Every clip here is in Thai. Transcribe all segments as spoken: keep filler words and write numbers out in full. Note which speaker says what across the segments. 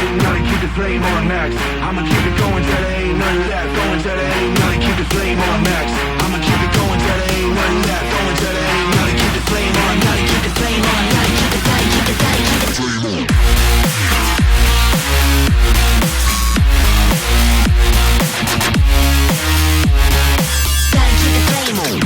Speaker 1: ain't nothing, keep the flame on max. I'ma keep it going till there ain't nothing left. Going till there ain't nothing, keep the flame on max. I'ma keep it going till there ain't nothing left. Going till there ain't nothing, keep the flame on, nothing, keep the flame on, nothing, keep the flame, keep the flame, keep the flame on. Gotta keep the flame on.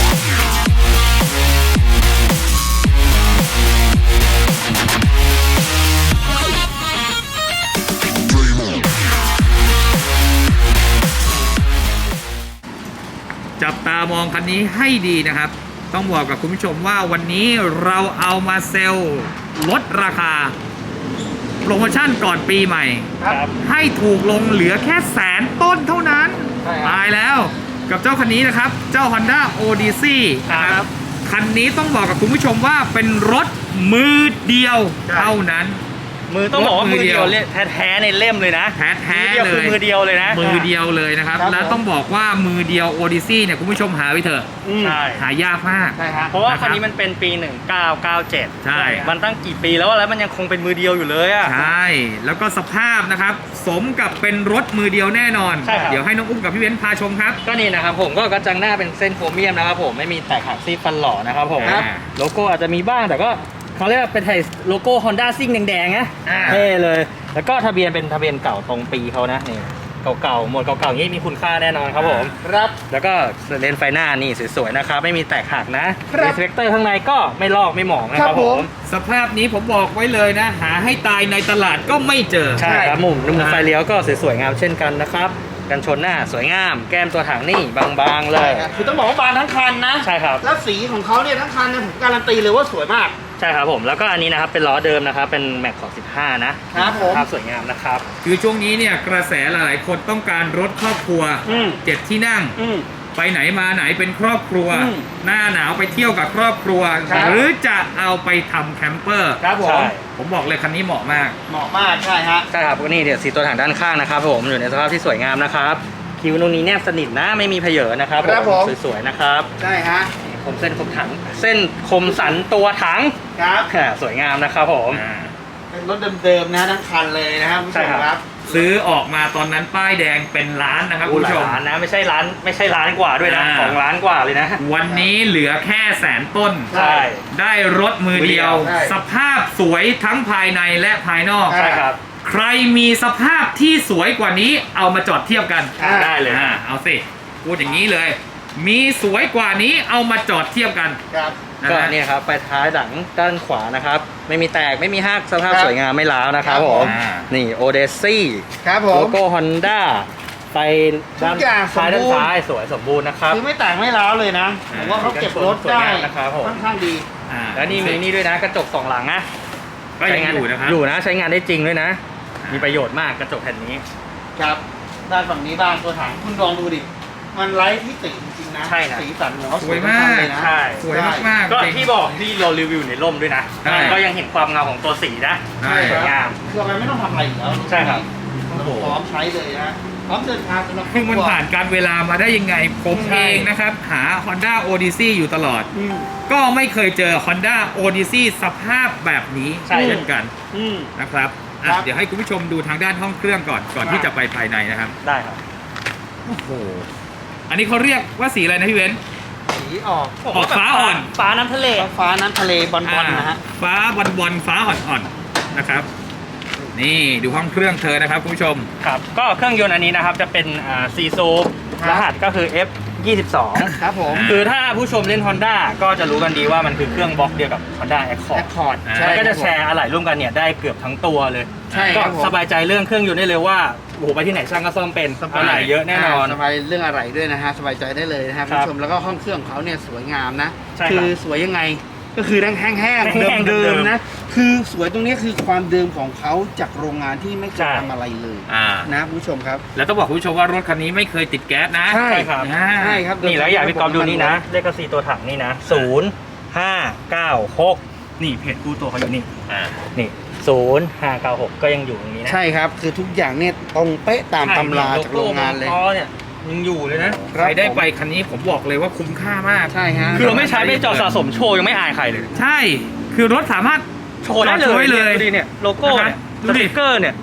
Speaker 2: จับตามองคันนี้ให้ดีนะครับต้องบอกกับคุณผู้ชมว่าวันนี้เราเอามาเซลล์ลดราคาโปรโมชั่นก่อนปีใหม่ให้ถูกลงเหลือแค่แสนต้นเท่านั้นตายแล้วกับเจ้าคันนี้นะครับเจ้า Honda Odyssey นะครับคันนี้ต้องบอกกับคุณผู้ชมว่าเป็นรถมือเดียวเท่านั้น
Speaker 3: มือต้องบอกว่ามือเดียวแท้ๆในเล่มเลยนะ
Speaker 2: แท้ๆเลย
Speaker 3: มือเดียวเลยนะ
Speaker 2: มือเดียวเลยนะครับแล้วต้องบอกว่ามือเดียว Odyssey เนี่ยคุณผู้ชมหาไว้เถอะ
Speaker 3: ใช่
Speaker 2: หายากมาก
Speaker 3: ใช่ฮะเพราะว่าคันนี้มันเป็นปีหนึ่งเก้าเก้าเจ็ด
Speaker 2: ใช่
Speaker 3: มันตั้งกี่ปีแล้วแล้วมันยังคงเป็นมือเดียวอยู่เลยอ่ะ
Speaker 2: ใช่แล้วก็สภาพนะครับสมกับเป็นรถมือเดียวแน่นอนเดี๋ยวให้น้องอุ้มกับพี่เว้นพาชมครับ
Speaker 3: ก็นี่นะครับผมก็กระจังหน้าเป็นเส้นโครเมียมนะครับผมไม่มีแตกหักซี่ฟันหล่อนะครับผมโลโก้อาจจะมีบ้างแต่ก็เขาเรียกว่าเป็นไทยโลโก้ Honda ซิ่งแดงๆนะเท่เลยแล้วก็ทะเบียนเป็นทะเบียนเก่าตรงปีเขานะนี่เก่าๆหมวดเก่าๆอย่างนี้มีคุณค่าแน่นอนครับผม
Speaker 2: ครับ
Speaker 3: แล้วก็เลนส์ไฟหน้านี่สวยๆนะครับไม่มีแตกหักนะเรฟเลคเตอร์ข้างในก็ไม่ลอกไม่หมองนะครับผม
Speaker 2: สภาพนี้ผมบอกไว้เลยนะหาให้ตายในตลาดก็ไม่เจอ
Speaker 3: ใช่ครับมุมมุมไฟเลี้ยวก็สวยๆงามเช่นกันนะครับกันชนหน้าสวยงามแก้มตัวถังนี่บางๆเลย
Speaker 4: คือต้องบอกว่าบางทั้งคันนะ
Speaker 3: ใช่ครับ
Speaker 4: แล้วสีของเขาเนี่ยทั้งคันเนี่ยผมการันตีเลยว่าสวยมาก
Speaker 3: ใช่ครับผมแล้วก็อันนี้นะครับเป็นล้อเดิมนะครับเป็นแม็กของสิบห้านะครับผมภาพสวยงามนะครับ
Speaker 2: คือช่วงนี้เนี่ยกระแสหลายๆคนต้องการรถครอบครัวเจ็ดที่นั่งไปไหนมาไหนเป็นครอบครัวหน้าหนาวไปเที่ยวกับครอบครัวหรือจะเอาไปทำแคมเปอร์
Speaker 4: ครับผม
Speaker 2: ผมบอกเลยคันนี้เหมาะมาก
Speaker 4: เหมาะมากใช่ฮะ
Speaker 3: ใช่ครับก็นี่เดี๋ยวสีตัวถังด้านข้างนะครับผมอยู่ในสภาพที่สวยงามนะครับคิวตรงนี้แนบสนิทนะไม่มีเพเยอนะครับผมสวยๆนะครับ
Speaker 4: ใช่ฮะ
Speaker 3: คมเส้นคมถังเส้นคมสันตัวถัง
Speaker 4: ครับ
Speaker 3: สวยงามนะครับผม
Speaker 4: เป็นรถเดิมๆนะทั้งคันเลยนะครับผู้ชมครับ
Speaker 2: ซื้อออกมาตอนนั้นป้ายแดงเป็นล้านนะครับคุณผู้ชม
Speaker 3: ล้านนะไม่ใช่ล้านไม่ใช่ล้านกว่าด้วยนะสองล้านกว่าเลยนะ
Speaker 2: วันนี้เหลือแค่แสนต้น
Speaker 3: ใช่
Speaker 2: ได้รถมือเดียวสภาพสวยทั้งภายในและภายนอก
Speaker 3: ใช่ครับ
Speaker 2: ใครมีสภาพที่สวยกว่านี้เอามาจอดเทียบกัน
Speaker 3: ได้เลย
Speaker 2: เอาสิพูดอย่างนี้เลยมีสวยกว่านี้เอามาจอดเทียบกัน
Speaker 4: ครับ
Speaker 3: ก็เนี่ยครับไปท้ายหลังด้านขวานะครับไม่มีแตกไม่มีหักสภาพสวยงามไม่ร้าวนะครับผมนี่โอเดซี่
Speaker 4: ครับผม
Speaker 3: โลโก้ฮอนด้าไปด้านซ้ายด้านซ้ายสวยสมบูรณ์นะครับ
Speaker 4: คือไม่แตกไม่ร้าวเลยนะผมว่าเขาเก็บรถได้
Speaker 3: นะครับผม
Speaker 4: ค่อนข้างดี
Speaker 3: แล้วนี่มีนี่ด้วยนะกระจกสองหลังนะ
Speaker 2: ก็ยังอยู่นะครับ
Speaker 3: อยู่นะใช้งานได้จริงด้วยนะมีประโยชน์มากกระจกแผ่นนี้
Speaker 4: ครับด้านฝั่งนี้บ้างตัวถังคุณลองดูดิมันไร้ที่ติจริงๆนะ
Speaker 3: ใช่นะ
Speaker 4: สีสันของเขา
Speaker 2: สวยมาก
Speaker 4: เลยนะ
Speaker 3: ใช่
Speaker 2: สวยมาก
Speaker 3: ก็ที่บอกที่เรารีวิวในร่มด้วยนะก็ยังเห็นความเงาของตัวสีนะสวยงาม
Speaker 4: คืออะไรไม่ต้องทำอะไรอีกแล้ว
Speaker 3: ใช่ครับ
Speaker 4: พร้อมใช้เลยนะพร้อมเดินทางสำหรับ
Speaker 2: คือมันผ่านการเวลามาได้ยังไงผมเองนะครับหา Honda Odyssey อยู่ตลอดก็ไม่เคยเจอ Honda Odyssey สภาพแบบนี้เช่นกันนะครับเดี๋ยวให้คุณผู้ชมดูทางด้านห้องเครื่องก่อนก่อนที่จะไปภายในนะครับ
Speaker 3: ได้ครับ
Speaker 2: โอ้โหอันนี้เขาเรียกว่าสีอะไรนะพี่เว้น
Speaker 4: สีออก
Speaker 2: ออกฟ้าอ่อน
Speaker 3: ฟ้าน้ำทะเล
Speaker 4: ฟ้าน้ำทะเลบอลบอลนะฮะ
Speaker 2: ฟ้าบอลบอลฟ้าอ่อนๆนะครับนี่ดูห้องเครื่องเธอนะครับคุณผู้ชม
Speaker 3: ครับก็เครื่องยนต์อันนี้นะครับจะเป็นซีซูรหัสก็คือ เอฟ ยี่สิบสอง
Speaker 4: ครับผม
Speaker 3: คือถ้าผู้ชมเล่น Honda ก็จะรู้กันดีว่ามันคือเครื่องบล็อกเดียวกับ Honda Accord
Speaker 4: Accord
Speaker 3: มันก็จะแชร์อะไหล่ร่วมกันเนี่ยได้เกือบทั้งตัวเลยก็สบายใจเรื่องเครื่องยนต์ได้เลยว่าโอ้โหไปที่ไหนช่างก็ซ่อมเป็นอะไหล่เยอะแน่นอน
Speaker 4: สบายเรื่องอะไหล่ด้วยนะฮะสบายใจได้เลยนะครับผู้ชมแล้วก็ห้องเครื่องของเขาเนี่ยสวยงามนะคือสวยยังไงก็คือแห้งๆเดิมๆนะคือสวยตรงนี้คือความเดิมของเขาจากโรงงานที่ไม่เคยทำอะไรเลยนะผู้ชมครับ
Speaker 2: แล้วต้องบอกคุณผู้ชมว่ารถคันนี้ไม่เคยติดแก๊สนะ
Speaker 3: ใช่ครับ
Speaker 4: ใช่ครับ
Speaker 3: นี่แล้วอยากพี่กอล์ฟดูนี่นะเลขสีตัวถังนี่นะศูนย์ห้าเก้าหกนี่เพจกู้ตัวเขาอยู่นี่นี่ศูนย์ห้าเก้าหกก็ยังอยู่ตรงนี้นะ
Speaker 4: ใช่ครับคือทุกอย่างเนี่ยตรงเป๊ะตามตำราจากโรงงานเลย
Speaker 3: เนี่ยยังอยู่เลยนะ
Speaker 2: ใครได้ไปคันนี้ผมบอกเลยว่าคุ้มค่ามาก
Speaker 4: ใช่ฮะ
Speaker 3: คือเราไม่ใช้ไม่จอดสะสมโชว์ยังไม่อายใครเลย
Speaker 2: ใช่คือรถสามารถ
Speaker 3: โชว์ได้เลยดูดิเนี่ยโลโก้เนี่ยสติ๊กเกอร์เนี่ย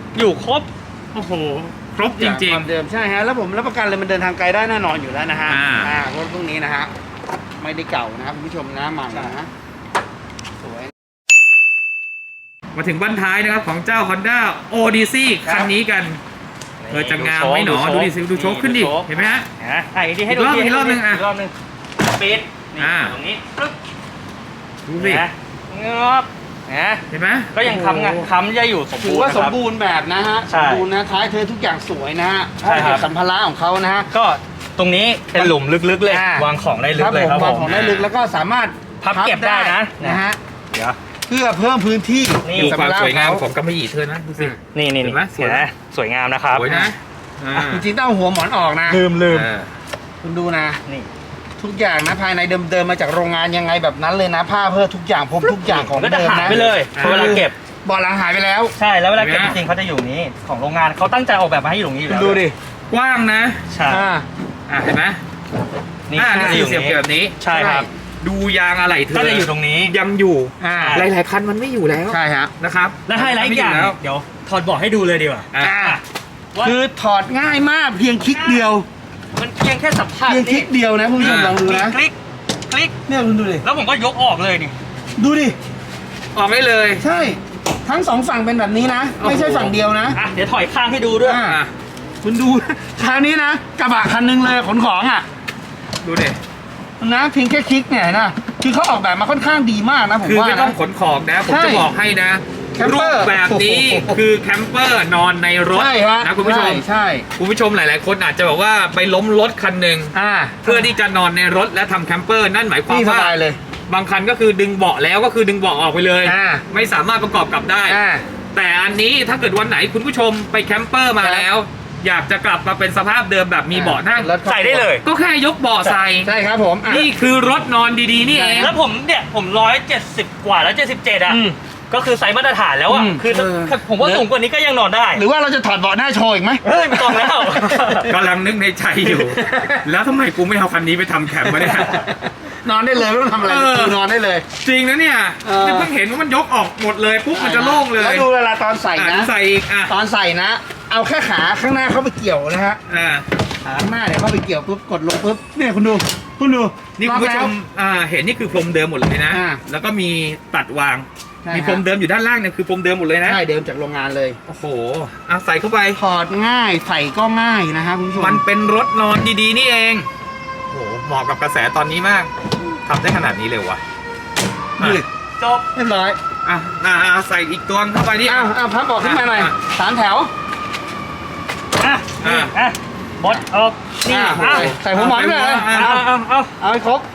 Speaker 3: อยู่ครบ
Speaker 2: โอ้โห ครบจริง
Speaker 4: ความเดิมใช่ฮะแล้วผมรับประกันเลยมันเดินทางไกลได้แน่นอนอยู่แล้วนะฮะ
Speaker 2: อ่า
Speaker 4: อ่ารถพวกนี้นะฮะไม่ได้เก่านะครับคุณผู้ชมนะใหม่นะสวย
Speaker 2: ๆ มาถึงบ้านท้ายนะครับของเจ้า Honda Odyssey คันนี้กันเออจะงามไหมหนอดูดิสิดูโชคขึ้นดิเห็นไหมฮะ
Speaker 3: นะอ่ะอีกทีให้ดู
Speaker 2: อีกรอบ
Speaker 3: ที
Speaker 2: อีกรอบหนึ่งอ่ะ
Speaker 3: อีกรอบหนึงปิดนี่
Speaker 2: อ่า
Speaker 3: ตรงนี้ปึ๊บ
Speaker 2: ดูสิ
Speaker 3: นะงอบนะ
Speaker 2: เห็นไหม
Speaker 3: ก็ยังค้ำไงค้ำจะอยู่สม
Speaker 4: ถื
Speaker 3: บู
Speaker 4: อ
Speaker 3: รณ์
Speaker 4: ว่า
Speaker 3: นะ
Speaker 4: ส
Speaker 3: ค
Speaker 4: ม
Speaker 3: รับ
Speaker 4: บูรณ์แบบนะฮะ
Speaker 3: ใช่
Speaker 4: สมบูรณ์นะท้ายเธอทุกอย่างสวยนะฮะ
Speaker 3: ใช่ครับ
Speaker 4: สัมภาระของเขานะฮะ
Speaker 3: ก็ตรงนี้เป็นหลุมลึกๆเลย
Speaker 4: อ่าว
Speaker 3: างของได้ลึ
Speaker 4: ค
Speaker 3: ก
Speaker 4: รับ
Speaker 3: เลย
Speaker 4: ผม
Speaker 3: ครับ
Speaker 4: วาง
Speaker 3: ผม
Speaker 4: ของได้ลึกแล้วก็สามารถ
Speaker 3: พับเก็บได้นะ
Speaker 4: นะฮะ
Speaker 3: เดี๋ยว
Speaker 4: เพื่อเพิ่มพื้นที่
Speaker 3: นี่
Speaker 2: ดู
Speaker 4: สั
Speaker 2: ความ
Speaker 4: ภระ
Speaker 2: สวยงาม
Speaker 4: ข
Speaker 2: ของกำมะหยี่เธอนะดูสิ
Speaker 3: นี่นี่
Speaker 2: เห็
Speaker 3: นี่
Speaker 2: นไหมสวย
Speaker 3: เห็นไหมสวยงามนะครับ
Speaker 2: สวยนะอ่า
Speaker 4: จริงๆต้องเอาหัวหมอนออกนะ
Speaker 3: ลืมลืม
Speaker 2: อ่า
Speaker 4: คุณดูนะ
Speaker 3: นี่
Speaker 4: ทุกอย่างนะภายในเดิมๆมาจากโรงงานยังไงแบบนั้นเลยนะผ้าเพื่อทุกอย่างพรมทุกอย่างของ
Speaker 3: มันก็จะ
Speaker 4: เดิม
Speaker 3: หาย
Speaker 4: นะ
Speaker 3: ไปเลยพอเวลาเก็บ
Speaker 4: เบาะหลังหายไปแล้ว
Speaker 3: ใช่แล้วเวลาเก็บ
Speaker 2: เห็
Speaker 3: จ
Speaker 2: นไหม
Speaker 3: ริงๆเขาจะอยู่นี้ของโรงงานเขาตั้งใจออกแบบมาให้อยู่ตรงนี้อยู่
Speaker 4: คุณ
Speaker 3: แล้ว
Speaker 4: ดูดิ
Speaker 2: กว้างนะ
Speaker 3: ใช่
Speaker 4: อ่า
Speaker 2: อ่าเห็นไหม
Speaker 3: นี่
Speaker 2: อ่านี่
Speaker 3: จะ
Speaker 2: คือ
Speaker 3: อยู่
Speaker 2: เสียบ
Speaker 3: นี้
Speaker 2: แบบนี้
Speaker 3: ใช่ครับ
Speaker 2: ดูยางอะไรเธอ
Speaker 3: ก็จะอยู่ตรงนี้
Speaker 2: ยังอยู่
Speaker 4: อ่า
Speaker 2: หลายๆคันมันไม่อยู่แล้ว
Speaker 4: ใช่ฮะ
Speaker 2: นะครับ
Speaker 3: และไฮไลท์อีกอย่าง
Speaker 2: ไม่แล้ว
Speaker 3: เดี๋ยวถอดเบาะให้ดูเลยดีกว่า
Speaker 2: อ่า
Speaker 4: อ่า
Speaker 3: ว่า
Speaker 4: คือถอดง่ายมากเพียงคลิกเดียว
Speaker 3: มันเพียงแค่สัมผัส
Speaker 4: เพียงคลิกเดียวนะคุณผู้ชมลองดูนะ
Speaker 3: คลิกคลิก
Speaker 4: เนี่ยคุณดูดิ
Speaker 3: แล้วผมก็ยกออกเลยนี่
Speaker 4: ดูดิ
Speaker 2: ออกได้เลย
Speaker 4: ใช่ ทั้งสองฝั่งเป็นแบบนี้นะ ไม่ใช่ฝั่งเดียวนะ
Speaker 3: อ่ะเดี๋ยวถอยข้างให้ดูด้วย
Speaker 4: อ่า
Speaker 2: อ่ะ
Speaker 4: คุณดู คราวนี้นะกระบะคันหนึงเลยขนของอ่ะ
Speaker 2: ดูดิ
Speaker 4: นะเพียงแค่คลิกเนี่ยนะคือเขาออกแบบมาค่อนข้างดีมากนะผม
Speaker 2: คือ
Speaker 4: ว่า
Speaker 2: ไม่ต้อ
Speaker 4: นะ
Speaker 2: งขนของนะ ผม
Speaker 4: ใช่
Speaker 2: จะบอกให้นะ
Speaker 4: แคม
Speaker 2: รู
Speaker 4: เปอร์
Speaker 2: ปแบบนี้
Speaker 4: โอ้โห
Speaker 2: คือแคมเปอร์นอนในรถ
Speaker 4: ใช่ฮะ
Speaker 2: นะคุณผู้ชม
Speaker 4: ใช่ใช่
Speaker 2: คุณผู้ชมหลาย ๆ คนอาจจะแบบว่าไปล้มรถคันหนึ่ง
Speaker 4: อ่า
Speaker 2: เพื่อที่จะนอนในรถและทำแคมเปอร์นั่นหมายความ
Speaker 4: นี่ส
Speaker 2: ว่า
Speaker 4: บายเลย
Speaker 2: บางคันก็คือดึงเบาะแล้วก็คือดึงเบาะออกไปเลย
Speaker 4: อ่า
Speaker 2: ไม่สามารถประกอบกลับได้
Speaker 4: อ่า
Speaker 2: แต่อันนี้ถ้าเกิดวันไหนคุณผู้ชมไปแคมเปอร์มาแล้ว อยากจะกลับมาเป็นสภาพเดิมแบบมีเบาะนั่ง
Speaker 4: รถครอบครัว
Speaker 3: ใส่ได้เลย
Speaker 2: ก็แค่ยกเบาะใส่
Speaker 4: ใช่ครับผมอ่ะ
Speaker 2: นี่คือรถนอนดีๆ นี่เอง
Speaker 3: แล้วผมเนี่ยผมร้อยเจ็ดสิบกว่าแล้วเจ็ดสิบเจ็ดอ่ะ
Speaker 4: อืม
Speaker 3: ก็คือไซส์มาตรฐานแล้วอ่ะ
Speaker 4: อืม
Speaker 3: คือถ้า
Speaker 2: เออ
Speaker 3: ถ้าผมว่าสูงกว่านี้ก็ยังนอนได้
Speaker 4: หรือว่าเราจะถอดเบาะหน้าโชว์อีกไหม
Speaker 3: เฮ้ยไม่ต้องแล้ว
Speaker 2: กำลังนึกในใจอยู่ แล้วทำไมกูไม่เอาคันนี้ไปทำแคมป์วะเนี่ย
Speaker 4: นอนได้เลยไม่ต้องทำอะไร
Speaker 2: เออ
Speaker 4: คือนอนได้เลย
Speaker 2: จริงนะเนี่ย
Speaker 4: เออ
Speaker 2: เนี่ยเพิ่งเห็นว่ามันยกออกหมดเลยปุ๊บมันจะโล่งเลย
Speaker 4: แล้วดูเวลาตอนใส่
Speaker 2: อ่ะ
Speaker 4: นะ
Speaker 2: ใส่อีกอ่ะ
Speaker 4: ตอนใส่นะ เอาแค่ขาข้างหน้าเข้าไปเกี่ยวนะฮะ
Speaker 2: อ่า
Speaker 4: ขาข้างหน้าเนี่ยเข้าไปเกี่ยวปุ๊บกดลงปุ๊บเนี่ยคุณดูคุณดู
Speaker 2: นี่คุณผู้ชมอ่าเห็นนี่คือพรมเดิมหมดเลยนะ
Speaker 4: อ่า
Speaker 2: แล้วก็มีตัดวาง
Speaker 4: ใช่
Speaker 2: มีพรมเดิมอยู่ด้านล่างเนี่ยคือพรมเดิมหมดเลยนะ
Speaker 4: ใช่เดิมจากโรงงานเลย
Speaker 2: โอ้โหเอาใส่เข้าไป
Speaker 4: ถอดง่ายใส่ก็ง่ายนะฮะคุณผู้ชม
Speaker 2: มันเป็นรถนอนดีๆ นี่เอง โอ้โห เหมาะกับกระแสตอนนี้มากทำได้ขนาดนี้เลยวะ
Speaker 4: นี่
Speaker 3: จบ
Speaker 4: เรียบร้อย
Speaker 2: อ่ะอ่ะอ่ะใส่อีกตัวเข้าไปนี่
Speaker 4: อ้าวอ้าวพับเบาะขึ้นมาหน่อย
Speaker 2: อ่ะ
Speaker 4: สามแถว
Speaker 3: อ่ะ
Speaker 2: อ่ะ
Speaker 3: นี่อ่ะบดออกนี่
Speaker 4: อ่ะ
Speaker 3: อ่ะ
Speaker 4: ใส่หัวหมอนไปเลย
Speaker 2: อ่ะ
Speaker 3: เอาเอาเอา
Speaker 4: เอาให้ครบ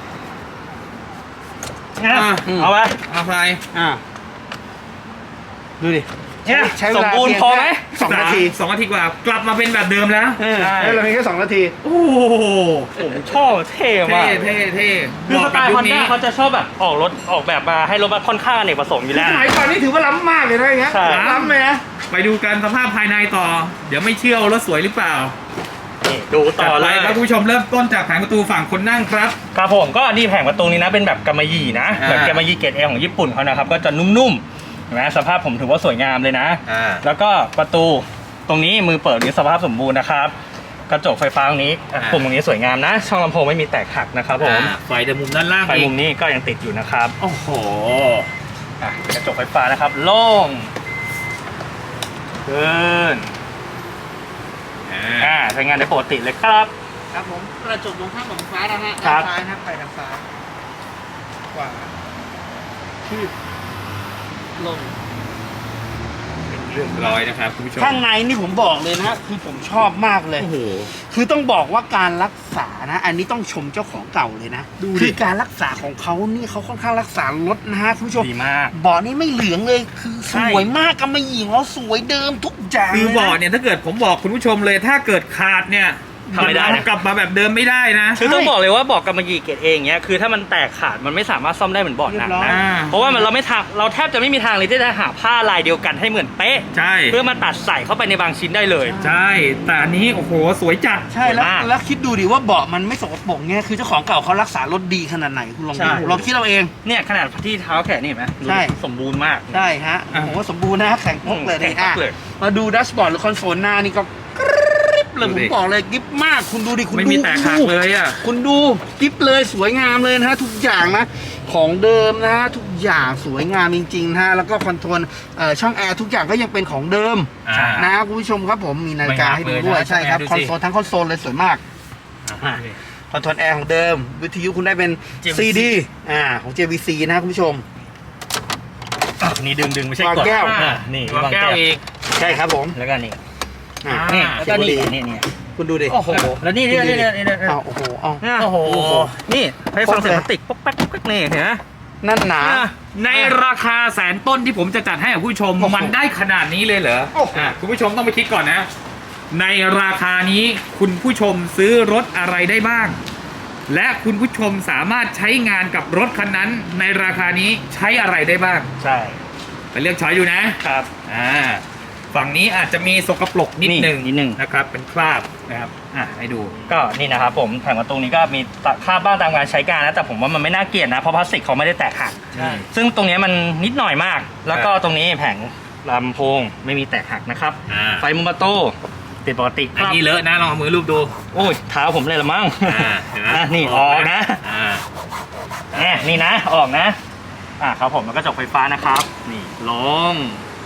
Speaker 3: เอา
Speaker 2: อ่ะ
Speaker 3: เอาไป
Speaker 2: เอาไป
Speaker 4: อ่าดูดิ
Speaker 3: เนี่ย
Speaker 4: ใช้เว
Speaker 3: สม
Speaker 4: ลา
Speaker 3: บูรณ์
Speaker 4: เพียง
Speaker 3: พอไหม
Speaker 4: แค่ สองนาที
Speaker 2: สองนาทีกว่ากลับมาเป็นแบบเดิมแล้ว
Speaker 4: เออ
Speaker 3: ใช่
Speaker 4: ให้เราเพียงแค่สองนาที
Speaker 2: โอ้โห
Speaker 3: ผมชอบเท่
Speaker 2: เท่
Speaker 3: มาก
Speaker 2: เท่เท่
Speaker 3: คือสไตล์
Speaker 2: ยุ
Speaker 3: ฮ
Speaker 2: ค
Speaker 3: อนด้าเขาจะชอบแบบออกรถออกแบบมาให้รถมาค่อนข้างอเนกประสงค์อยู่แล้ว
Speaker 4: สมัยก่อนนี่ถือว่าล้ำมากเลยนะอย่างเงี้ย
Speaker 3: ใช่
Speaker 4: ล้ำเลยนะ
Speaker 2: ไปดูกันสภาพภายในต่อ เดี๋ยวไม่เชื่อว่ารถสวยหรือเปล่า
Speaker 3: นี่ดูต่อเล
Speaker 2: จัด
Speaker 3: ย
Speaker 2: ไปครับคุณผู้ชมเริ่มต้นจากแผงประตูฝั่งคนนั่งครับ
Speaker 3: ครับผมก็นี่แผงประตูนี้นะเป็นแบบกำมะหยี่นะ
Speaker 2: อ่า
Speaker 3: แบบกำมะหยี่เกรดเอของญี่ปุ่นเขานะครับก็จะนุ่มๆเห็นไหมสภาพผมถือว่าสวยงามเลยนะ
Speaker 2: อ่า
Speaker 3: แล้วก็ประตูตรงนี้มือเปิดนี้สภาพสมบูรณ์นะครับกระจกไฟฟ้าตรงนี้อ่ะ
Speaker 2: อ่า
Speaker 3: ปุ่มตรงนี้สวยงามนะ ช่องลำโพงไม่มีแตกหักนะครับผม
Speaker 2: อ่าไฟเดินมุมด้านล่าง
Speaker 3: ไฟ
Speaker 2: อีก
Speaker 3: มุมนี้ก็ยังติดอยู่นะครับ
Speaker 2: โอ้โห
Speaker 3: อ่ะกระจกไฟฟ้านะครับโล่งขึ้น
Speaker 2: อ่า
Speaker 3: อ่าใช้งานได้ปกติเลยครับ
Speaker 4: ครับผมกระจกมองข้างของฟ้านะฮะ
Speaker 3: ครั
Speaker 4: ด้าน
Speaker 3: บ
Speaker 4: ซ้ายนะครับไปทางซ้ายขวาขึ้นลง
Speaker 2: เรียบร้อยนะครับคุณผู้ชม
Speaker 4: ข้างในนี่ผมบอกเลยนะฮะคือผมชอบมากเลย
Speaker 2: โอ้โห
Speaker 4: คือต้องบอกว่าการรักษานะ อันนี้ต้องชมเจ้าของเก่าเลยนะ
Speaker 2: ดูดิ
Speaker 4: คือการรักษาของเขานี่เขาค่อนข้างรักษารถนะฮะคุณผู้ชม
Speaker 3: ดีมาก
Speaker 4: เบาะนี่ไม่เหลืองเลย คือสวยมากกำมะหยี่ของเราสวยเดิมทุกอย่าง
Speaker 2: คือ
Speaker 4: ลยนะ
Speaker 2: เบาะเนี่ยถ้าเกิดผมบอกคุณผู้ชมเลยถ้าเกิดขาดเนี่ย
Speaker 3: ทำไม่ได้นะ
Speaker 2: กลับมาแบบเดิมไม่ได้นะ
Speaker 3: คือต้องบอกเลยว่าเบอกกำมะหยี่เกรดเองเนี้ยคือถ้ามันแตกขาดมันไม่สามารถซ่อมได้เหมือนเบาะหนังนะ
Speaker 2: อ่า
Speaker 3: เพราะว่ามันเราไม่ทางเราแทบจะไม่มีทางเลยที่จะหาผ้าลายเดียวกันให้เหมือนเป๊ะ
Speaker 2: ใช่
Speaker 3: เพื่อมาตัดใส่เข้าไปในบางชิ้นได้เลย
Speaker 2: ใช่แต่อันนี้โอ้โหสวยจัด
Speaker 4: ใช่แล้ว
Speaker 3: มาก
Speaker 4: แล้วคิดดูดิว่าเบาะมันไม่สกปรกเนี่ยคือเจ้าของเก่าเขารักษารถดีขนาดไหนคุณลอง
Speaker 3: ใช่
Speaker 4: ดูเราคิดเราเอง
Speaker 3: เนี่ยขนาดที่เท้าแขนนี่เห็นไหมดู
Speaker 4: ใช่
Speaker 3: สมบูรณ์มาก
Speaker 4: ได้ฮะ
Speaker 2: อ่ะ
Speaker 4: โอ้โหสมบูรณ์นะแข็งพกเลย
Speaker 3: แข็
Speaker 4: นี่
Speaker 3: งพก
Speaker 4: อ่ะ
Speaker 3: เลย
Speaker 4: มาดูดัชบอร์ดหรือคอนโซลหน้านี่ก็กริ๊บเลย
Speaker 2: ดู
Speaker 4: ผ
Speaker 2: ดิ
Speaker 4: มบอกเลยกริ๊บมากคุณดูดิคุณ
Speaker 2: ไม่
Speaker 4: ดู
Speaker 2: มีแตกหักเลยอ่ะ
Speaker 4: คุณดูกริ๊บเลยสวยงามเลยนะฮะทุกอย่างนะของเดิมนะฮะทุกอย่างสวยงามจริงๆนะฮะแล้วก็คอนโทรลเอ่อช่องแอร์ทุกอย่างก็ยังเป็นของเดิม
Speaker 2: อ่า
Speaker 4: นะคุณผู้ชมครับผมมีนาฬิกาให้ดูด้วย
Speaker 2: ไม่หักเลยนะ
Speaker 4: ใช่ครับ
Speaker 2: ดู
Speaker 4: คอน
Speaker 2: สิ
Speaker 4: โซลทั้งคอนโซลเลยสวยมาก
Speaker 3: อ่ะ
Speaker 4: คอนโทรลแอร์ของเดิม วิทยุคุณได้เป็น
Speaker 3: เจ วี
Speaker 4: ซี
Speaker 3: ซี
Speaker 4: ดี อ่าของ เจ วี ซี นะคุณผู้ชม
Speaker 3: อ่ะนี่ดึงดึงไม่ใช่
Speaker 4: วาง
Speaker 3: กด
Speaker 4: แก้ว
Speaker 3: อ่ะนี่
Speaker 2: วาง
Speaker 3: วาง
Speaker 2: แก้
Speaker 3: แก้
Speaker 2: ว
Speaker 3: ว
Speaker 2: อีก
Speaker 4: ใช่ครับผม
Speaker 3: แล้วก็นี่
Speaker 4: อ่า
Speaker 3: นี่
Speaker 2: อ่า
Speaker 3: แล้วก็นี่
Speaker 4: เขียนดี
Speaker 3: นี่นี่
Speaker 4: คุณดูดิ
Speaker 3: โอ้โหแล้วนี่นี่นี่นี่นี่
Speaker 4: อ้าวโอ้โหอ้าว
Speaker 3: โอ้โหนี่ให้ฟังเสียงพลาสติกป๊อกแป๊กป๊อกแป๊กนี่เห็นไหม
Speaker 4: นั่นหนา
Speaker 2: ในราคาแสนต้นที่ผมจะจัดให้กับผู้ชม
Speaker 4: โอ้โห
Speaker 2: มันได้ขนาดนี้เลยเหรอ
Speaker 4: โอ้โห
Speaker 2: อ่ะคุณผู้ชมต้องไปคิดก่อนนะ ในราคานี้คุณผู้ชมซื้อรถอะไรได้บ้าง และคุณผู้ชมสามารถใช้งานกับรถคันนั้น ในราคานี้ใช้อะไรได้บ้าง
Speaker 3: ใช่
Speaker 2: ไปเลือกช้อยดูนะครับ อ่าฝั่งนี้อาจจะมีสกปรกนิด
Speaker 3: นี่
Speaker 2: หนึ่ง
Speaker 3: นิดหนึ่ง
Speaker 2: นะครับ เป็นคราบนะครับอ่ะให้ดู
Speaker 3: ก็นี่นะครับผมแผงประตูนี้ก็มีคราบบ้างตามการใช้การนะแต่ผมว่ามันไม่น่าเกลียดนะเพราะพลาสติกเขาไม่ได้แตกหัก
Speaker 2: ใช่
Speaker 3: ซึ่งตรงนี้มันนิดหน่อยมาก แล้วก็
Speaker 2: ครับ
Speaker 3: ตรงนี้แผงลำโพงไม่มีแตกหักนะครับ
Speaker 2: อ่า
Speaker 3: ไฟมุมประตูติดปกติค
Speaker 2: อัน
Speaker 3: รับ
Speaker 2: นี้เลอะนะลองเอามือลูบดู
Speaker 3: โอ้ยเท้าผมเลยละมั้ง
Speaker 2: อ่าเห็นไหม
Speaker 3: อ่ะนี่ออกนะ
Speaker 2: อ่า
Speaker 3: แหมนี่นะออกนะอ่ะครับผมแล้วก็จกไฟฟ้านะครับ นี่ลง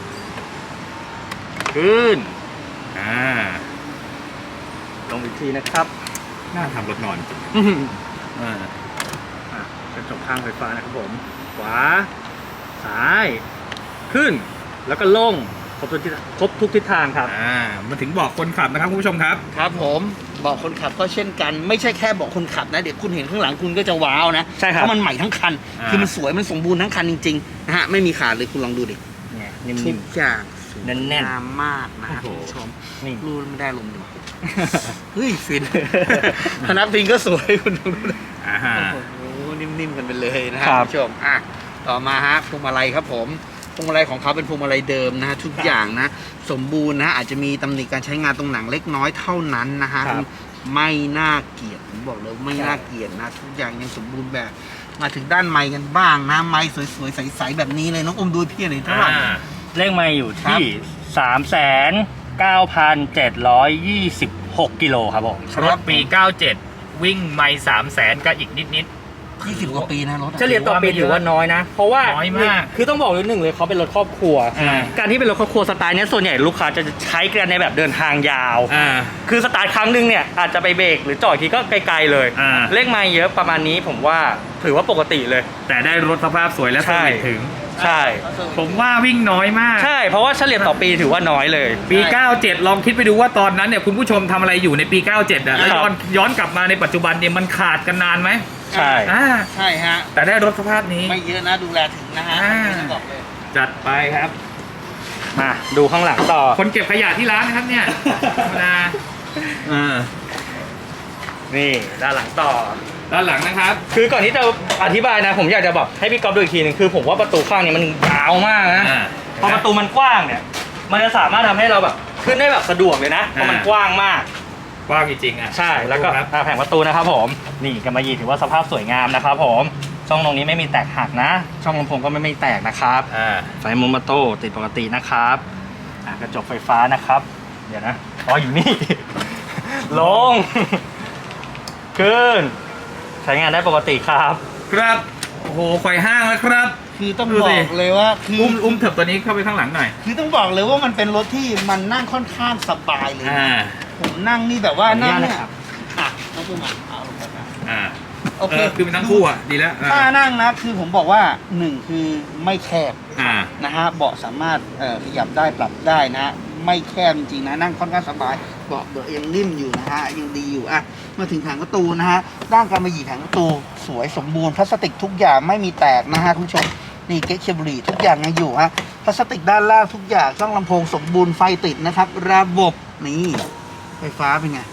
Speaker 3: ขึ้น
Speaker 2: อ่า
Speaker 3: ลงอีกทีนะครับ
Speaker 2: น่าทำรถนอนจริง
Speaker 3: อื้อหือ
Speaker 2: อ่า
Speaker 3: อ่ะกระจกข้างไฟฟ้านะครับผม ขวา ซ้าย ขึ้น แล้วก็ลง ครบทุกทิศครบทุกทิศทางครับ
Speaker 2: อ่ามาถึงบอกคนขับนะครับคุณผู้ชมครับ
Speaker 4: ครับผมเบอกคนขับก็เช่นกัน ไม่ใช่แค่เบอกคนขับนะ เดี๋ยวคุณเห็นข้างหลังคุณก็จะว้าวนะ
Speaker 3: ใช่ครับ
Speaker 4: เพราะมันใหม่ทั้งคัน
Speaker 2: อ่า
Speaker 4: คือมันสวยมันสมบูรณ์ทั้งคันจริงๆนะฮะไม่มีขาดเลยคุณลองดูดิ
Speaker 3: เนี่ย
Speaker 4: ทุ
Speaker 3: นิ่ม
Speaker 4: กอย่างสวย
Speaker 3: แน่นๆ
Speaker 4: งามมากนะฮะ
Speaker 2: โอ้
Speaker 4: คุณ
Speaker 2: โห
Speaker 4: ผู้ชม
Speaker 3: ๆนี่
Speaker 4: รูไม่ได้ลมดีกว่าเฮ้ยฟิน พนักพิงก็สวยคุณดูดิ
Speaker 2: อ่าฮะ
Speaker 4: โอ้โหนิ่มๆกันไปเลยนะฮะ
Speaker 3: ครับ
Speaker 4: คุณผู้ชมอ่ะต่อมาฮะพวงมาลัยครับผมพวงมาลัยของเขาเป็นพวงมาลัยเดิมนะฮะทุกอย่างนะ สมบูรณ์นะอาจจะมีตำหนิการใช้งานตรงหนังเล็กน้อยเท่านั้นนะฮะ
Speaker 3: ครับ
Speaker 4: ไม่น่าเกลียดผมบอกเลยไม่น่าเกลียดนะทุกอย่างยังสมบูรณ์แบบ มาถึงด้านไม้กันบ้างนะไม้สวยๆใสๆแบบนี้เลยน้องอมดูพี่หน่อยเท่าไหร่
Speaker 2: อ่า
Speaker 3: เลขไมล์อยู่
Speaker 4: ครั
Speaker 3: ที่
Speaker 4: บ
Speaker 3: สามแสนเก้าพันเจ็ดร้อยยี่สิบหกกิโลครับผม
Speaker 2: รถปี เก้าเจ็ด วิ่งไม่สามแสนก็อีกนิดนิด
Speaker 4: ยี่สิบกว่าปีนะรถอะ
Speaker 3: เฉลี่ยต่อปีถือว่าน้อยนะ เพราะว่า
Speaker 2: น้อยมาก
Speaker 3: คือต้องบอกเลยหนึ่งเลยเขาเป็นรถครอบครัว
Speaker 2: อ่า
Speaker 3: การที่เป็นรถครอบครัวสไตล์เนี้ยส่วนใหญ่ลูกค้าจะใช้กันในแบบเดินทางยาว
Speaker 2: อ่า
Speaker 3: คือสตาร์ทครั้งหนึ่งเนี่ยอาจจะไปเบรกหรือจอดทีก็ไกลๆเลย
Speaker 2: อ่า
Speaker 3: เลขไมล์เยอะประมาณนี้ผมว่าถือว่าปกติเลย
Speaker 2: แต่ได้รถสภาพสวยและ
Speaker 3: ใช่
Speaker 2: สนิทถึง
Speaker 3: ใช่
Speaker 2: ผมว่าวิ่งน้อยมาก
Speaker 3: ใช่เพราะว่าเฉลี่ยต่อปีถือว่าน้อยเลย
Speaker 2: ปี เก้าเจ็ด ลองคิดไปดูว่าตอนนั้นเนี่ยคุณผู้ชมทำอะไรอยู่ในปี เก้าเจ็ดอ่ะแล้ว
Speaker 3: ครับ
Speaker 2: ย้อนย้อนกลับมาในปัจจุบันเนี่ยมันขาดกันนานไหม
Speaker 3: ใช่
Speaker 2: อ่า
Speaker 4: ใช่ฮะ
Speaker 2: แต่ได้รถสภาพนี้
Speaker 4: ไม่เยอะนะดูแลถึงนะฮะ
Speaker 2: อ่า
Speaker 4: ไม่ต้องบอกเลย
Speaker 2: จัดไปครับ
Speaker 3: มาดูข้างหลังต่อ
Speaker 2: คนเก็บขยะที่ร้านนะครับเนี่ยธรรมดาอ่า
Speaker 3: นี่ด้านหลังต่อ
Speaker 2: ด้านหลังนะครับ
Speaker 3: คือก่อนที่จะอธิบายนะผมอยากจะบอกให้พี่ก๊อฟดูอีกทีหนึงคือผมว่าประตูข้างนี้มันยาวมากนะ
Speaker 2: อ่า
Speaker 3: พอประตูมันกว้างเนี่ย มันจะสามารถทำให้เราแบบขึ้นได้แบบสะดวกเลยนะเพราะมัน
Speaker 2: อ่า
Speaker 3: กว้างมาก
Speaker 2: กว้างจริงๆอ่ะ
Speaker 3: ใช่แล้วก็
Speaker 2: ครับ
Speaker 3: อ่าแผงประตูนะครับผมนี่กำมะหยี่ถือว่าสภาพสวยงามนะครับผมช่องตรงนี้ไม่มีแตกหักนะ ช่องลำโพงก็ไม่ไม่แตกนะครับ
Speaker 2: อ่า
Speaker 3: ไฟมุมประตูติดปกตินะครับอ่ะกระจกไฟฟ้านะครับ เดี๋ยวนะอ๋ออยู่นี่ ลง ขึ้น ใช้งานได้ปกติครับ
Speaker 2: ครับ โอ้โหไฟห้างแล้วครับ
Speaker 4: คือต้อง
Speaker 2: ดู
Speaker 4: บ
Speaker 2: สิ
Speaker 4: อกเลยว่าคือ
Speaker 2: อุ้มอุ้มเถิบตัวนี้เข้าไปข้างหลังหน่อย
Speaker 4: คือต้องบอกเลยว่ามันเป็นรถที่มันนั่งค่อนข้างสบายเลย
Speaker 2: อ่า
Speaker 4: ผมนั่งนี่แบบว่านั่ง
Speaker 3: ขออนุญาต
Speaker 4: เนี่ย
Speaker 3: นะครับ
Speaker 4: อ่ะน้องปุ้มอ่ะเอาลงไปครับ
Speaker 2: อ่า
Speaker 4: โอเค
Speaker 2: คือเป็นทั้งคู่อ่ะ ดีแล้วอ่า
Speaker 4: ถ้านั่งนะคือผมบอกว่าหนึ่งคือไม่แคบ
Speaker 2: อ่า
Speaker 4: นะฮะเบาะสามารถเอ่อขยับได้ปรับได้นะ ไม่แคบจริงๆนะนั่งค่อนข้างสบายเบาะเบาะยังนิ่มอยู่นะฮะยังดีอยู่อ่ะมาถึงแผงประตูนะฮะด้านการมาหยีแผงประตูสวยสมบูรณ์พลาสติกทุกอย่างไม่มีแตกนะฮะคุณผู้ชมนี่เก๊กเคเบิลทุกอย่างยังอยู่ฮะพลาสติกด้านล่างทุกอย่างช่องลำโพงสมบูรณ์ไฟติดนะครับระบบนี่ไฟฟ้าเป็นไง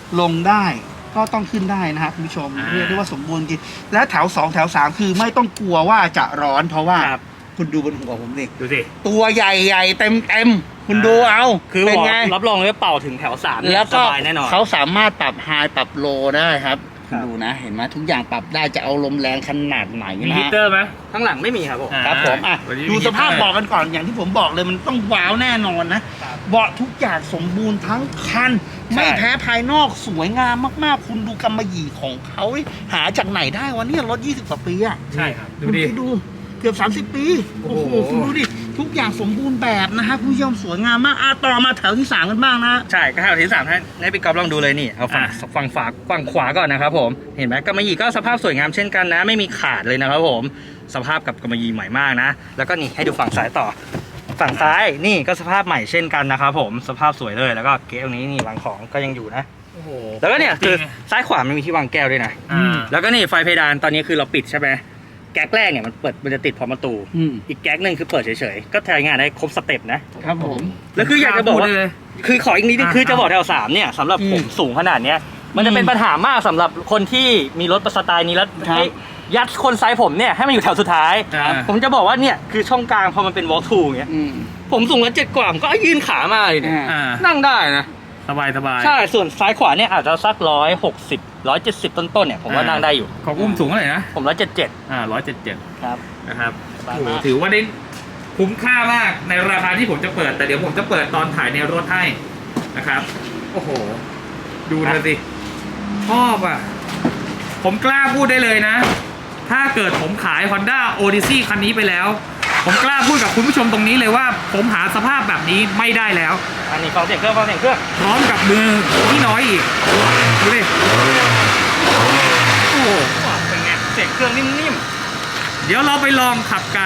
Speaker 4: ลงได้ก็ต้องขึ้นได้นะครับคุณผู้ชม
Speaker 2: อ่า
Speaker 4: เรียกได้ว่าสมบูรณ์จริงแล้วแถวสองแถวสามคือไม่ต้องกลัวว่าจะร้อนเพราะว่า
Speaker 3: ครับ
Speaker 4: คุณดูบนหัวผมดิ
Speaker 2: ดูสิ
Speaker 4: ตัวใหญ่ๆเต็มเต็มๆคุณดูเอา
Speaker 3: คือ
Speaker 4: เป็น
Speaker 3: บอก
Speaker 4: ไง
Speaker 3: รับรองเลยว่าเป่าถึงแถวสามเนี่ย
Speaker 4: แล้ว
Speaker 3: ส
Speaker 4: ก็
Speaker 3: บายแน่นอน
Speaker 4: เขาสามารถปรับไฮปรับโลได้ครับ
Speaker 3: ครับ
Speaker 4: ดูนะ เห็นไหมทุกอย่างปรับได้จะเอาลมแรงขนาดไหน
Speaker 2: มี
Speaker 4: นะ
Speaker 2: ฮี
Speaker 4: ฮะ
Speaker 2: เตอร์ไหม
Speaker 3: ข้างหลังไม่มีครับผม
Speaker 2: อ่า
Speaker 4: ครับผมอ่ะ
Speaker 2: วันนี้
Speaker 4: ดู
Speaker 2: มี
Speaker 4: สภาพ
Speaker 2: ฮีเตอร์
Speaker 4: เบาะกันก่อนอย่างที่ผมบอกเลยมันต้องว้าวแน่นอนนะครับ เบาะทุกอย่างสมบูรณ์ทั้งคัน
Speaker 3: ใช่
Speaker 4: ไม่แพ้ภายนอกสวยงามมากๆ คุณดูกำมะหยี่ของเขาหาจากไหนได้วะเนี่ยรถยี่สิบกว่าปีอะ
Speaker 3: ใช่ครับ
Speaker 2: ดู
Speaker 4: คุณ
Speaker 2: ดิ
Speaker 4: คิดูเกือบสามสิบปี
Speaker 2: โอ้
Speaker 4: โอ้
Speaker 2: โห
Speaker 4: โหคุณดูดิทุกอย่างสมบูรณ์แบบนะฮะคุณผู้ชมสวยงามมากอ่ะต่อมาแถวที่สามกันบ้างนะ
Speaker 3: ใช่ก็แถวที่สามให้ให้พี่ก๊อฟลองดูเลยนี่เอาฝั่ง
Speaker 2: อ่ะ
Speaker 3: ฝั่งฝาฝั่งขวาก่อนนะครับผมเห็นไหมกำมะหยี่ก็สภาพสวยงามเช่นกันนะ ไม่มีขาดเลยนะครับผมสภาพกับกำมะหยี่ใหม่มากนะ แล้วก็นี่ให้ดูฝั่งซ้ายต่อ ฝั่งซ้ายนี่ก็สภาพใหม่เช่นกันนะครับผมสภาพสวยเลยแล้วก็เก๊ะตรงนี้นี่วางของก็ยังอยู่นะ
Speaker 2: โอ้โห
Speaker 3: แล้วก็เนี่ย
Speaker 2: จริ
Speaker 3: คือง ซ้ายขวามันมีที่วางแก้วด้วยนะ
Speaker 2: อ่า
Speaker 3: แล้วก็นี่ไฟเพดานตอนนี้คือเราปิดใช่ไหมแก๊กแรกเนี่ยมันเปิดมันจะติดพร้อมประตู
Speaker 4: อืม
Speaker 3: อีกแก๊กหนึ่งคือเปิดเฉยๆก็ใช้งานได้ครบสเต็ปนะครับ
Speaker 4: ผม
Speaker 3: แล้วคืออยากจะบอกว่า
Speaker 2: พูดเลย
Speaker 3: คือขออีกนิดนึง
Speaker 2: อ่า
Speaker 3: คือจะบอกแถวสามเนี่ยสำหรับผม
Speaker 4: อืม
Speaker 3: สูงขนาดเนี้ยมันจะเป็น
Speaker 4: อืม
Speaker 3: ปัญหามากสำหรับคนที่มีรถสไตล์นี้แล้ว
Speaker 4: ครับ
Speaker 3: ให้ยัดคนไซส์ผมเนี่ยให้มันอยู่แถวสุดท้าย
Speaker 2: ครับ
Speaker 3: ผมจะบอกว่าเนี่ยคือช่องกลางพอมันเป็น walk through อย่างเงี้ย
Speaker 4: อืม
Speaker 3: ผมสูงร้อยเจ็ดกว่าผมก็ยื่นขามาเลยเนี่ย
Speaker 4: อ่า
Speaker 2: อ่า
Speaker 3: นั่งได้นะ
Speaker 2: สบายสบาย
Speaker 3: ใช่ส่วนซ้ายขวาเนี่ยอาจจะสักร้อยหกสิบร้อยเจ็ดสิบต้นๆเนี่ยผมว่านั่งได้อยู่
Speaker 2: ของอุ้มสูงเท่าไหร่นะ
Speaker 3: ผมร้อยเจ็ดเจ็ด
Speaker 2: อ่าร้อยเจ็ดเจ็ด
Speaker 3: ครับ
Speaker 2: นะครับ
Speaker 3: สบาย
Speaker 2: โอ้โห
Speaker 3: มาก
Speaker 2: ถือว่าได้คุ้มค่ามากในราคาที่ผมจะเปิด แต่เดี๋ยวผมจะเปิดตอนถ่ายในรถให้นะครับ โอ้โห ดูเธอสิชอบอ่ะ ผมกล้าพูดได้เลยนะ ถ้าเกิดผมขาย Honda Odyssey คันนี้ไปแล้ว ผมกล้าพูดกับคุณผู้ชมตรงนี้เลยว่า ผมหาสภาพแบบนี้ไม่ได้แล้ว
Speaker 3: อันนี้ฟังเสียงเครื่องฟังเสียงเครื่อง
Speaker 2: พร้อมกับมือที่น้อยอีก ดูดิ โอ้โห
Speaker 3: ว้าวเป็นไงเสียงเครื่องนิ่ม
Speaker 2: เดี๋ยวเราไปลองขับกัน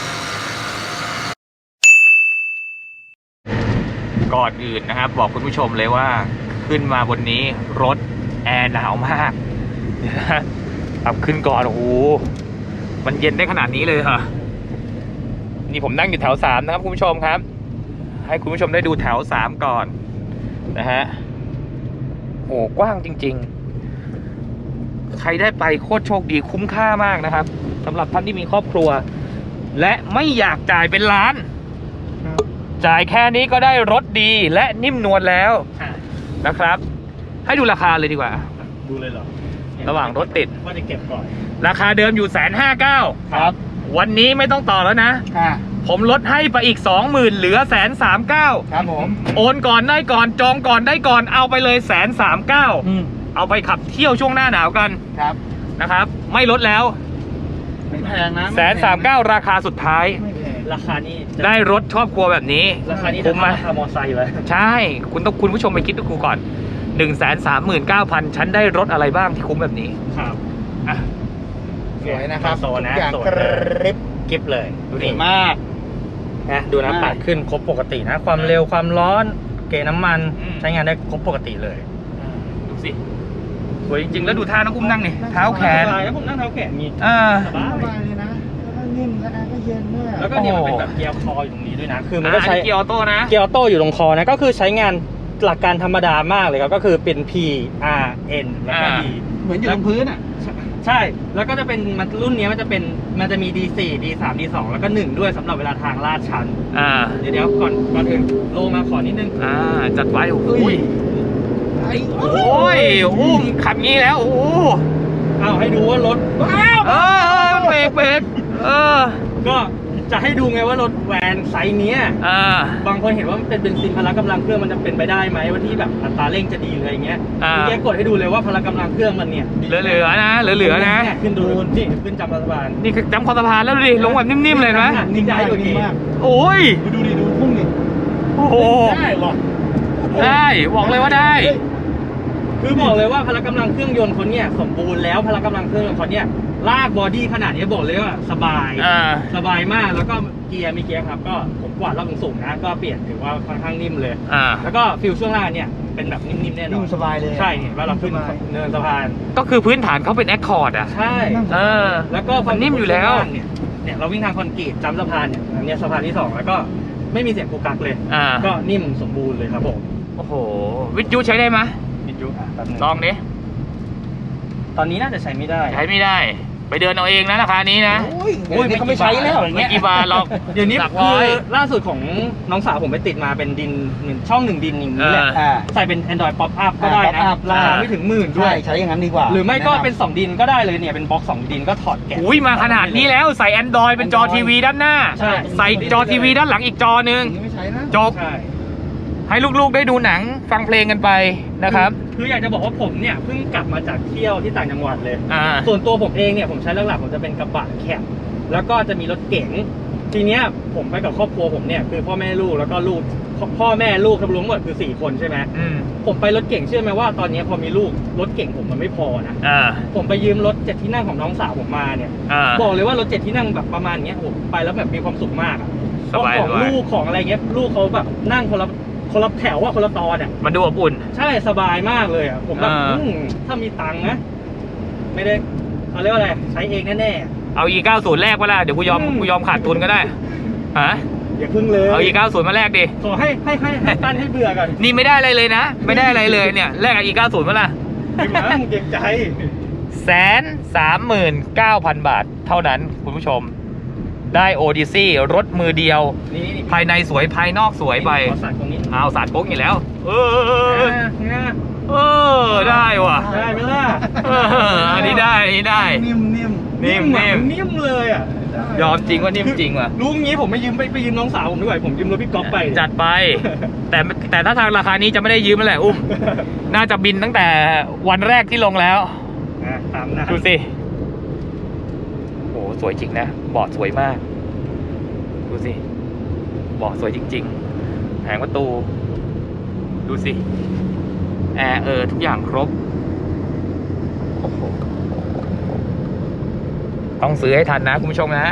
Speaker 2: ก่อนอื่นนะครับ บอกคุณผู้ชมเลยว่าขึ้นมาบนนี้รถแอร์หนาวมากเดี๋ยวนะขับขึ้นก่อนโอ้โหมันเย็นได้ขนาดนี้เลยเหรอนี่ผมนั่งอยู่แถวสามนะครับคุณผู้ชมครับ ให้คุณผู้ชมได้ดูแถวสามก่อนนะฮะโอ้กว้างจริงๆ ใครได้ไปโคตรโชคดีคุ้มค่ามากนะครับสำหรับท่านที่มีครอบครัว และไม่อยากจ่ายเป็นล้าน จ่ายแค่นี้ก็ได้รถดีและนิ่มนวลแล้ว
Speaker 3: ๆอ่ะ
Speaker 2: นะครับ ให้ดูราคาเลยดีกว่า
Speaker 3: ดูเลยเหรอ
Speaker 2: ระหว่างรถติด
Speaker 3: ว่าจะเก็บก่อน
Speaker 2: ราคาเดิมอยู่แสนห้าเก้า
Speaker 4: ครับ
Speaker 2: วันนี้ไม่ต้องต่อแล้วนะ
Speaker 4: อ่า
Speaker 2: ผมลดให้ไปอีกสองหมื่นเหลือแสนสามเก้า
Speaker 4: ครับผม
Speaker 2: โอนก่อนได้ก่อนจองก่อนได้ก่อนเอาไปเลยแสนสามเก้า
Speaker 4: อืม
Speaker 2: เอาไปขับเที่ยวช่วงหน้าหนาวกัน
Speaker 4: ครับ
Speaker 2: นะครับ ไม่ลดแล้ว
Speaker 4: ไม่แพงนะ
Speaker 2: แสนสามเก้าราคาสุดท้าย
Speaker 4: ไม่แพง
Speaker 3: ราคานี้จะ
Speaker 2: ได้รถชอบครัวแบบนี้
Speaker 3: ราคานี้จะ
Speaker 2: คุ้มไหม
Speaker 3: ราคามอไซค์เลย
Speaker 2: ใช่ คุณต้องคุณผู้ชมไปคิดดูก่อนหนึ่งแสนสามหมื่นเก้าพันฉันได้รถอะไรบ้างที่คุ้มแบบนี้
Speaker 3: ครับ
Speaker 2: อ่ะ
Speaker 4: สวยนะครับ
Speaker 3: โซนนะ
Speaker 4: ทุกอย่าง
Speaker 3: โซน
Speaker 4: กริบ
Speaker 3: กิฟเลยดู
Speaker 4: ส
Speaker 3: ดิ
Speaker 4: วยมาก
Speaker 3: นะดูนะ
Speaker 4: มาก
Speaker 3: ปัดขึ้นครบปกตินะ ความเร็วความร้อนเกณฑ์น้ำมัน
Speaker 2: อืม
Speaker 3: ใช้งานได้ครบปกติเลย
Speaker 2: ดูสิสวยจริงๆ แล้วดูท่าน้องอุ้มนั่งนี่เท้าแขน
Speaker 3: สบายแล้วผมนั่งเท้าแขนมี
Speaker 2: อ่า
Speaker 3: สบาย
Speaker 4: สบายเลยนะ แล้วก็นิ่มและแอร์ก็เย็นด้วย
Speaker 3: แล้วก็เนี่ยมันเป็น
Speaker 2: โอ้
Speaker 3: แบบเกียร์คออยู่ตรงนี้ด้วยนะ คือมัน
Speaker 2: อ่า
Speaker 3: ก็
Speaker 2: อัน
Speaker 3: ใช้
Speaker 2: นี้เกียร์ออโต้นะ
Speaker 3: เกียร์ออโต้อยู่ตรงคอนะ ก็คือใช้งานหลักการธรรมดามากเลยครับ ก็คือเป็น P R N แล้วก็
Speaker 2: อ่า
Speaker 3: D
Speaker 4: เหมือนอยู่บนพื้นอ่ะ
Speaker 3: ใช่ แล้วก็จะเป็นมันรุ่นนี้มันจะเป็น มันจะมี ดี โฟร์ ดี ทรี ดี ทู แล้วก็หนึ่งด้วยสำหรับเวลาทางลาดชัน
Speaker 2: อ่า
Speaker 3: เดี๋ยวเดี๋ยวก่อนก่อนอื่นโลมาขอนิดนึง
Speaker 2: อ่า จัดไว้โอ้โห
Speaker 4: อุ้ย
Speaker 2: โอ้ยอุ้มขับงี้แล้ว โอ้โห
Speaker 3: เอาให้ดูว่ารถ
Speaker 2: เออเออเบรกเบรกเออ
Speaker 3: ก็จะให้ดูไงว่ารถแวนไซส์เนี้ย
Speaker 2: อ่า
Speaker 3: บางคนเห็นว่ามันเป็นเบนซินพละกำลังเครื่องมันจะเป็นไปได้ไหมว่าที่แบบอัตราเร่งจะดีหรืออะไรเงี้ย
Speaker 2: อ่า
Speaker 3: เมื่อกี้กดให้ดูเลยว่าพละกำลังเครื่องมันเนี่ยดี
Speaker 2: เหลือๆนะ เหลือๆนะ
Speaker 3: เยขึ้นดูนี่ขึ้นจำรัฐบาล
Speaker 2: นี่คือจำคอสะพานแล้วดูดิ ลงแบบนิ่มๆเลยเห็นไหม
Speaker 3: นิ่งได้กว่านี้
Speaker 2: โอ้ย
Speaker 4: ดูดิดูพุ่งดิ
Speaker 2: โอ้โห
Speaker 4: ได้หรอ
Speaker 2: ได้บอกเลยว่าได้
Speaker 3: คือบอกเลยว่าพละกำลังเครื่องยนต์คนเนี่ยสมบูรณ์แล้วพละกำลังเครื่องยนต์คนเนี่ยลากบอดี้ขนาดนี้บอกเลยว่าสบาย
Speaker 2: อ่า
Speaker 3: สบายมากแล้วก็เกียร์มีเกียร์ครับก็ผมกวาดรอบสูงๆนะก็เปลี่ยนถือว่าค่อนข้างนิ่มเลย
Speaker 2: อ่า
Speaker 3: แล้วก็ฟิลช่วงล่างเนี่ยเป็นแบบนิ่มๆแน่นอ
Speaker 4: นิ่
Speaker 3: น
Speaker 4: มสบายเลย
Speaker 3: ใช่เห็นว่าเราขึ้น
Speaker 4: สบาย
Speaker 3: เนินสะพาน
Speaker 2: ก็คือพื้นฐานเขาเป็นแอคคอร์ดอ่ะ
Speaker 3: ใช่
Speaker 2: เออ
Speaker 3: แล้วก็
Speaker 2: มันนิ่มอยู่แล้ว
Speaker 3: ช่งางเนี่ยเนี่ยเราวิ่งทางคอนกรีตจำสะพานเนี่ยอันเนี้ยสะพานที่สองแล้วก็ไม่มีเสียงกุกกักเลย
Speaker 2: อ่า
Speaker 3: ก็นิ่มสมบูรณ์เลยครับผม
Speaker 2: โอ้โห วิทยุใช้ได้ไหม
Speaker 3: วิทยุอ่ะแป๊บนึง
Speaker 2: ลองดิ
Speaker 3: ตอนนี้น่าจะใช้ไม่ได้
Speaker 2: ใช้ไม่ได้ ไปเดินเอาเองนะราคานี้นะ
Speaker 4: โอ้ย
Speaker 3: โอ้ยเขาไม่ใช้แล้วอย่าง
Speaker 2: ไม่
Speaker 3: เงี้ย
Speaker 2: กี่บาทหรอก
Speaker 3: เดี๋ยวนี้
Speaker 2: หลัก
Speaker 3: คื
Speaker 2: ร้อ
Speaker 3: อย ล่าสุดของน้องสาวผมไปติดมาเป็นดินเหมือนช่องหนึ่งดินอย่างนี้แหละ
Speaker 2: เออ
Speaker 4: อ่า
Speaker 3: ใส่เป็น Android Pop Up ก็ได้นะ
Speaker 4: Pop Up
Speaker 3: ราคา
Speaker 2: อ่า
Speaker 3: ไม่ถึงหมื่นด้ว
Speaker 4: ใช่
Speaker 3: ย
Speaker 4: ใช้อย่างนั้นดีกว่า
Speaker 3: หรือไม่ก็
Speaker 4: แะำ
Speaker 3: เป็นสองดินก็ได้เลยเนี่ยเป็นบล็อกสองดินก็ถอดแกะ
Speaker 2: อุ้ยมาขนาดนี้แล้วใส่ Android เป็นจอทีวีด้านหน้า
Speaker 3: ใช่
Speaker 2: ใส่จอทีวีด้านหลังอีกจอหนึ่ง
Speaker 4: อย่างนี้ไม่ใช้นะ
Speaker 2: จบ
Speaker 3: ใช่
Speaker 2: ให้ลูกๆได้ดูหนังฟังเพลงกันไปนะครับ
Speaker 3: คือคืออยากจะบอกว่าผมเนี่ยเพิ่งกลับมาจากเที่ยวที่ต่างจังหวัดเลย
Speaker 2: อ่า
Speaker 3: ส่วนตัวผมเองเนี่ยผมใช้หลักๆผมจะเป็นกระบะแคปแล้วก็จะมีรถเก๋งทีเนี้ยผมไปกับครอบครัวผมเนี่ยคือพ่อแม่ลูกแล้วก็ลูกพ่อแม่ลูกทั้งรวมหมดคือสี่คนใช่ไหม
Speaker 2: อืม
Speaker 3: ผมไปรถเก๋งเชื่อไหมว่าตอนนี้พอมีลูกรถเก๋งผมมันไม่พอนะ
Speaker 2: อ่า
Speaker 3: ผมไปยืมรถเจ็ดที่นั่งของน้องสาวผมมาเนี่ย
Speaker 2: อ่า
Speaker 3: บอกเลยว่ารถเจ็ดที่นั่งแบบประมาณเนี้ยผมไปแล้วแบบมีความสุขมากอะ
Speaker 2: สบาย
Speaker 3: ของ
Speaker 2: สบาย
Speaker 3: ลูกของอะไรเงี้ยลูกเขาแบบนั่งคนละคนละแถวว่าคนละตอนอ่ะ
Speaker 2: มันดูอบอุ่น
Speaker 3: ใช่สบายมากเลยอ่ะผมแบบ
Speaker 2: อ่า
Speaker 3: อืมถ้ามีตังค์นะไม่ได้เขาเรียกว่าอะไรใช้เองแน่
Speaker 2: เอา อี เก้าสิบ แรกมาละเดี๋ยวกูยอม
Speaker 3: อืม
Speaker 2: กูยอมขาดทุนก็ได้ฮะ
Speaker 3: ๆอย่าพึ่งเลย
Speaker 2: เอา อี เก้าสิบ มาแลกดิ
Speaker 3: ขอให้ให้ให้ให้ตั้นให้เบื่อก่อน
Speaker 2: นี่ไม่ได้อะไรเลยนะ ไม่ได้อะไรเลยเนี่ยแลกกับ อี เก้าสิบ มาละ
Speaker 3: พี่มั้งเก่งใจ
Speaker 2: แสนสามหมื่นเก้าพันบาทเท่านั้นคุณผู้ชม ได้โอดิซี่รถมือเดียว
Speaker 3: นี่นี่
Speaker 2: ภายในสวยภายนอกสวยไป
Speaker 3: ขอสั่ตรงนี้
Speaker 2: เอาสาดโป๊กอยู่แล้ว เออ
Speaker 3: อ่าเนี่ย
Speaker 2: เออได้ว่ะ
Speaker 3: ได้ไหมล่ะ
Speaker 2: เอออันนี้ได้อันนี้ได้
Speaker 4: นิ่มนิ่ม
Speaker 2: นิ่ม
Speaker 3: อะ
Speaker 2: นิ่ม
Speaker 3: นิ่มเลยอ่ะ
Speaker 2: ยอมจริงว่านิ่มจริงว่ะ
Speaker 3: รู้งี้ผมไม่ยืมไปไปยืมน้องสาวผมด้วยผมยืมรถพี่ก๊อฟไป
Speaker 2: จัดไป แต่แต่ถ้าทางราคานี้จะไม่ได้ยืมแล้วแหละอุ้ม น่าจะบินตั้งแต่วันแรกที่ลงแล้ว
Speaker 3: อ่ะตามนะ
Speaker 2: ดูสิโอ้สวยจริงนะเบาะสวยมาก ดูสิเบาะสวยจริงๆแผงประตู ดูสิ แอร์เออทุกอย่างครบ โอ้โห ต้องซื้อให้ทันนะคุณผู้ชมนะ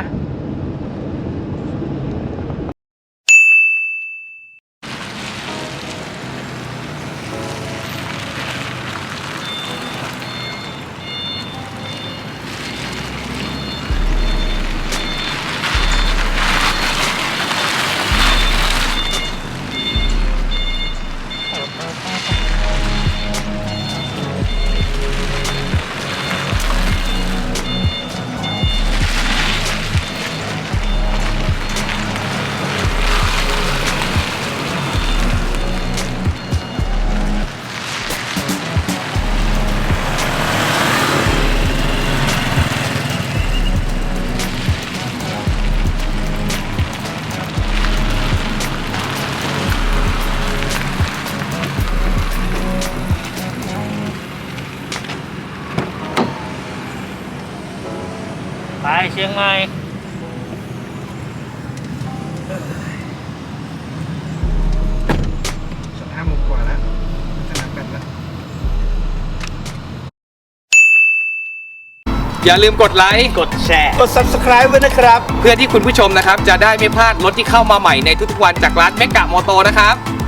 Speaker 3: ไปเชียงใหม่
Speaker 4: สนามหมดกว่าแล้วสนามแบตแล้ว
Speaker 2: อย่าลืมกดไลค์
Speaker 3: กดแชร์
Speaker 4: กด ซับสไครบ์ ไว้นะครับ
Speaker 2: เพื่อที่คุณผู้ชมนะครับ จะได้ไม่พลาดรถที่เข้ามาใหม่ในทุกๆวันจากร้านเมกะมอโตนะครับ